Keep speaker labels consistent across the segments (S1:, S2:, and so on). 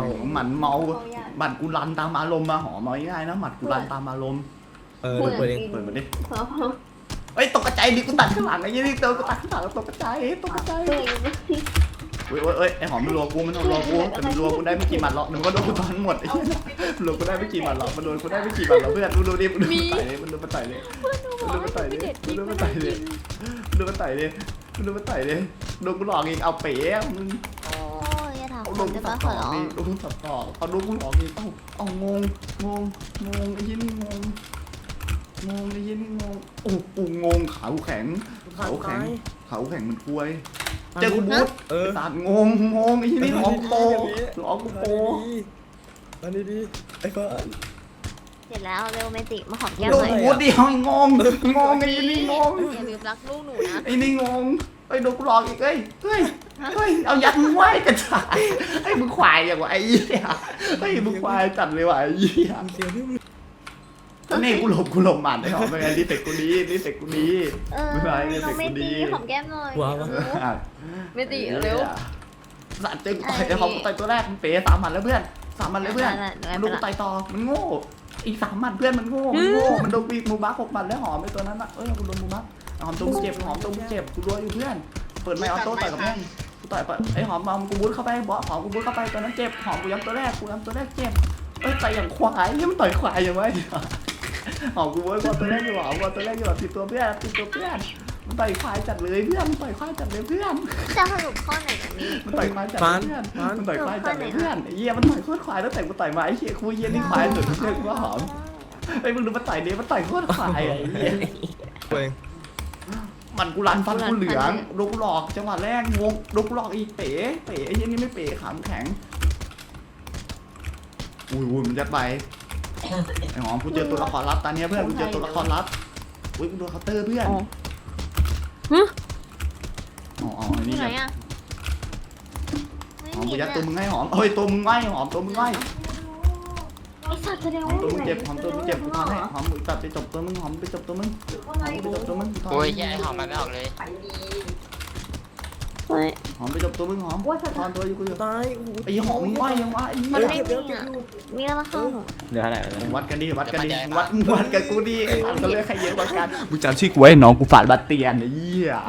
S1: หมันเมาหมัดกูรันตามอารมณ์มาหอมเอาง่ายๆนะหมัดกูรันตามอารมณ์
S2: เปิดเอง
S1: เปิดมาดิเฮ้ยตกกระจายดิกูตัดข้างหลังไอ้ยี่นี่ตัวกูตัดข้างหลังตกกระจายตกกระจายเฮ้ยไอ้หอมมันรัวกูมันรัวกูแต่มันรัวกูได้ไม่กี่หมัดหรอกมันก็โดนกูตอนหมดไอ้ยี่มันรัวกูได้ไม่กี่หมัดหรอกมันโดนกูได้ไม่กี่หมัดหรอกเพื่อนดูดิมันโดนมันไต่เลยมันโดนมันไต่เลยมันโดนมันไต่เลยมันโดนมันไต่เลยมันโดนมันไต่เลยมันโดนมันไต่เลยโดนกูหลอกอีกเอาเป๋มึง
S3: โอ้ยอย่าถาม
S1: เอา
S3: ค
S1: ล
S3: น
S1: ง
S3: ได้
S1: ตั
S3: ปะ
S1: ด
S3: ข
S1: ต่
S3: อ
S1: อ
S3: ร้อง
S1: ดิลงตัดต่อเอาดูกูหลอกอีกเอางงไอ้ยี่นี่งงไอ้ยี่นี่งงโอ้กูงงขาแข็งขาแข็งมันควยเจอกูบูทสาดงงไอ้ยี่นี่หลอกโปหลอกกูโป
S2: อันนี้ดีไอ้เฟิร์น
S3: เสร็จแล้วเร็วเมจิมาหอมแก้ม
S1: โด
S3: ห
S1: น
S3: น่อย
S1: บูทดิเฮ้ยงงไอ้ยี่นี่งง
S3: อย่าลืมรักลูกหนูนะ
S1: ไอ้นี่งงไอ้โดนกูหลอกอีกเฮ้ยเอายัดมึงไว้กระจายไอ้มึงควายอย่างวะไอ้ยี่ไอ้มึงควายจัดเลยว่ะไอ้ยี่
S2: เสียพี่มึง
S1: นี่กูหลบหมัดได้หรอเป็นไงรีเฟกกูดีรีเฟกกูดี ไม่เป็นไรเมจิ
S3: น้องเม
S1: กูดี
S3: จิหอมแก้มหน่อย
S2: ว้าว
S3: เมจิเร็ว
S1: สัตว์เจอกูต่อยไอ้หอมกูต่อยตัวแรกมันเป๋3 หมัดแล้วเพื่อน3 หมัดแล้วเพื่อนมันโดนกูต่อยต่อมันโง่อีก3 หมัดเพื่อนมันโง่มันโดนปีกมูบัก6 หมัดแล้วหอมไอ้ตัวนั้นอ่ะกูโดนมูบักหอมตัวกูเจ็บหอมตัวกูเจ็บกูรัวอยู่เพื่อนเปิดไม่ออโต้ต่อยกับแม่งกูต่อยไอ้หอมกูบูทเข้าไปบอสหอมกูบูทเข้าไปตัวนั้นเจ็บหอมกูย้ำตัวแรกเจ็บต่อยอย่างควายยังมันต่อยควายอย่างไรหอมกูบูทตัวแรกอยู่หอมตัวแรกอยู่ติดตัวเพื่อนมันต่อยควายจัดเลยเพื่อนต่อยควายจัดเลยเพื่อน
S3: จะสรุปข้อไหนกันนี่
S1: มันต่อยควายจัดเลยเพื่อนมันต่อยควายจัดเลยเพื่อนไอ้เหี้ยมันต่อยโคตรควายตั้งแต่กูต่อยมาไอ้เหี้ยคุยเหี้ยนี่ควายสุดเพื่อนกูว่าหอมไอ้มึงดูมันต่อยดิมันต่อยโคตรควายไอ้เหี้ย
S2: เปิด
S1: มันกูรันฟันกูเหลืองโดนกูหลอกจังหวะแรกงงโดนกูหลอกอีเป๋ไอ้เหี้ยนี่ไม่เป๋ขามแข็งอุ้ยมันยัดไปไอ้หอมกูเจอตัวละครลับตอนนี้เพื่อนกูเจอตัวละครลับอุ้ยกูโดนเคาน์เตอร์เพื่อนอ๋อนี่
S3: ไหน
S1: ไง
S3: อ่ะ
S1: หอมกูยัดตัวมึงให้หอมเฮ้ยตัวมึงไว้หอมตัวมึงไว้
S3: ไอสัตว์แสดง
S1: หอ
S3: ว่าม
S1: ตัวมึงเจ็บหอมตัวมึงเจ็บกูทำให้หอมมึงตัดไปจบตัวมึงหอมไปจบตัวมึงไปจบตัวมึง
S4: โอ้ยแย่หอมมันไม่ออกเลย
S1: หอมไปจบตัวมึงหอมทอนตัวอยู่กูอยู่
S2: ตาย
S1: ไอ้หอมมึงไว้ยังวะไอ้เหี้
S3: มัน
S1: ย
S3: ไม่มีอ่ะมีอะไรเข้า
S5: เดี๋ยวอะไร
S1: วัดกันดิวัดกับกูดิไอ้สัตว์ก็เลือกใครเยอะกว่ากันมึงจำชื่อกูไว้น้องกูฝาดบัตเตียนไอ้เหี้ย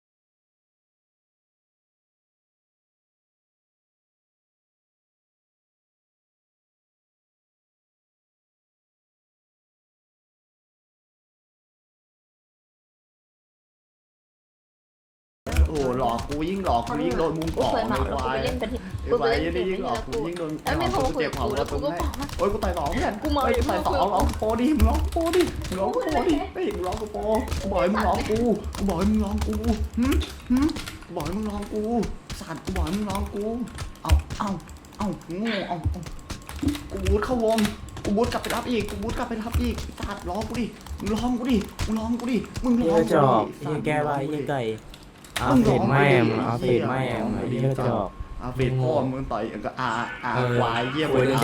S1: โอ้หลอกกูยิ่งหลอกกูยิ่งโดนมุง
S3: กู
S1: ต่อ
S3: เคย
S1: ไอ้
S3: เมาแล้ว
S1: ควา
S3: กู
S1: ย
S3: ไปเล่นไปที่
S1: ไอ้
S3: กู
S1: ค
S3: ไป
S1: วาย
S3: เล่น
S1: ยิ่งหลอกกูยิ่งโดน
S3: ไอ้ไม่พอ
S1: เจ็บหอม
S3: แล้วกูก็บอก
S1: โอ้ยกูต่อยสองเพื่อนกูต่อยสองร้องโปดิมึงร้องโปดิมึงร้องโปดิเฮ้ยมึงร้องกูโปกูบอกให้มึงร้องกูบอกให้มึงร้องกูกูบอกให้มึงร้องกูสัตว์กูบอกให้มึงร้องกูเอาโง่กูบูทเข้าวงกูบูทกลับไปรับอีกสัตว์ร้องกูดิมึงร้องกูดิมึงร้องกูดิ
S5: จอกยี่แก้วยี่ไก่เอาเผ็ดไม่เอาเผ็ดไม่ไอ้ยี่จอก
S1: เฟดพ่อมึงต่อยก็ควายเยี่ยมเลย